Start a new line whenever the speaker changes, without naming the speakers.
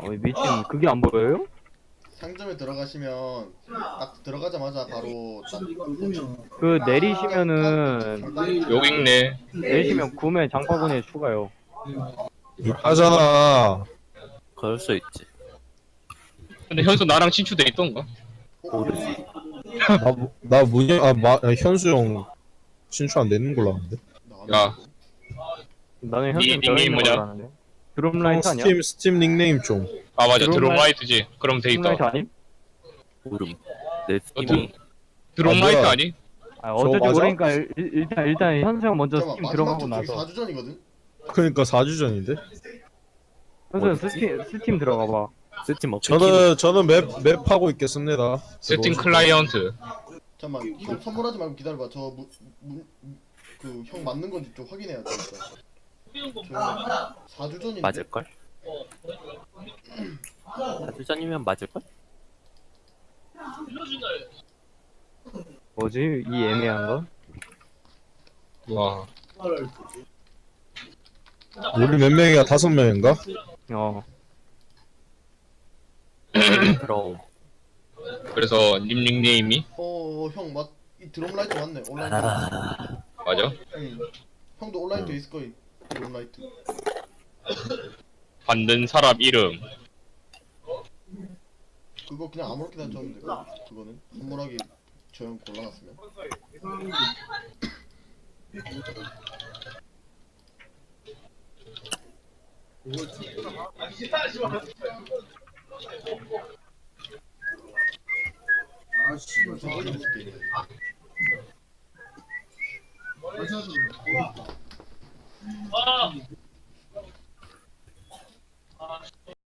미친 그게 안 보여요?
상점에 들어가시면 딱 들어가자마자 바로 딱
그 내리시면은
상단에
욕 있네.
내리시면 구매 장바구니에 추가요.
하잖아.
그럴 수 있지.
근데 현수 나랑 친추돼 있던가?
모르지.
나 문영 현수 형 신청 안 되는 걸로 아는데.
야.
나는
니
현금
닉네임 뭐냐?
아는데.
형
드럼라이트 아니야?
스팀 닉네임 좀.
아 맞아
드론라이-
드론라이트지. 그럼 돼 있다.
드럼라이트 아님?
모름. 내
어,
스팀이
드론라이트
뭐야?
아니?
아, 어쩐지
맞아?
모르니까 일단 현수 형 먼저
잠깐만
스팀
마지막
들어가고
쪽 저기
나서
4주 전이거든?
그러니까 4주 전인데.
현수 형 스팀 들어가 봐.
스팀 없.
저는 맵 하고 있겠습니다.
세팅 클라이언트.
잠깐만 형 선물하지 말고 기다려봐 그 형 맞는 건지 좀 확인해야 돼 진짜 저 4주 전인데?
맞을걸? 4주 전이면 맞을걸?
뭐지? 이 애매한 거?
와.
우리 몇 명이야? 5명인가?
어.
그럼
그래서 님 닉네임이
형 이 드럼라이트 맞네 온라인
맞아?
응. 형도 온라인 돼 있을 거임 드럼라이트
받는 사람 이름.
그거 그냥 아무렇게나 적으면 돼 그거는 선물하기 저 형 골라놨으면